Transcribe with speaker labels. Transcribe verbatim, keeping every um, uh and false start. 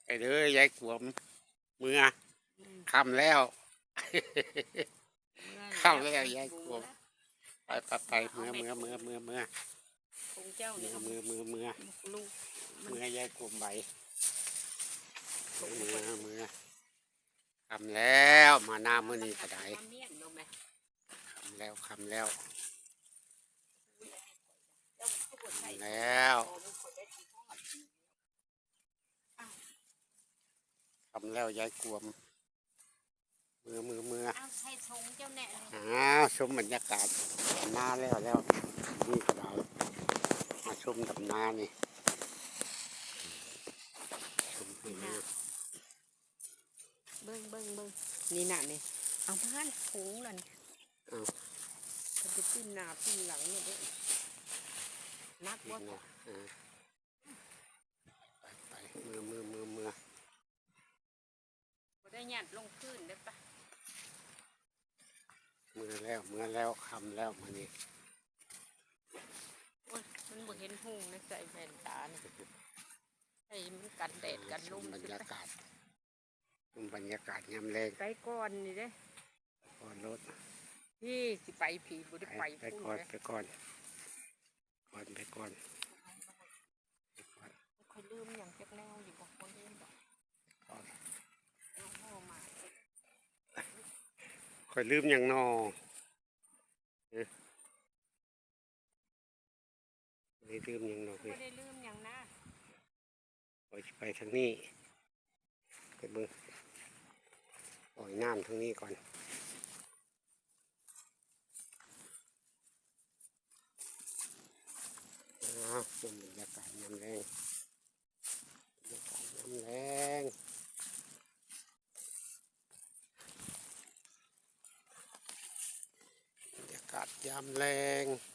Speaker 1: ไปเด้อยายขวมเมื่อคำแล้วค่ำแล้วยายขวมไปไปไปเมื่อเมื่อเมื่อเมื่อเมื่อ
Speaker 2: คงเจ้า
Speaker 1: เมื่
Speaker 2: นี่
Speaker 1: อเมื่อเมื่อเมื่อ
Speaker 2: ลูก
Speaker 1: เมื่อยายขวมใบเมื่อเมื่อคำแล้วมาหน้ามือนี้ก็ได้คำแล้วคำแล้วคำแล้วคำแล้วยายขวมมือมือมืออ้าวชมบรรยากาศหน้าแล้วแล้วนี่ก็ได้มาชมกับน้านี่ชมให้น้า
Speaker 2: เบิ้งเบิ้งเบิ้งนี่น่ะนี่เอามาถุงนั่นเอาจะไปปิ้นหน้าปิ้นหลังเนี่ยด้วยนักว่า
Speaker 1: ไปไปมือมือมือมือ
Speaker 2: ได้หยัดลงพื้นได้ปะ
Speaker 1: มือแล้วมือแล้วคำแล้วมานี่
Speaker 2: โอ้ยมันบ่เห็นหุ่งนะใส่แว่นตาเนี่ยไอ้มันกันแดดกันลม
Speaker 1: บรรยากาศบรรยากาศยามแรง
Speaker 2: ไปก่อนนี่เด้
Speaker 1: ก่อนรถ
Speaker 2: พี่สิไปผีบุได้ไป
Speaker 1: ไปก่อนไปก่อนก่อนไปก่อน
Speaker 2: ค่อยลืมอย่างจักแนวอยู่บอกคนลืมบอกเอาพ่อมา
Speaker 1: ค่อยลืมอย่างนอไม่ลืมอย่างนอ
Speaker 2: ไม่ได้ลืมอย่างนะ
Speaker 1: ปล่อยไปทางนี้ไปเบิ้งปล่อยน้ำทางนี้ก่อนชมบรรยากาศยามแรงบรรยากาศยามแรงบรรยากาศยามแรง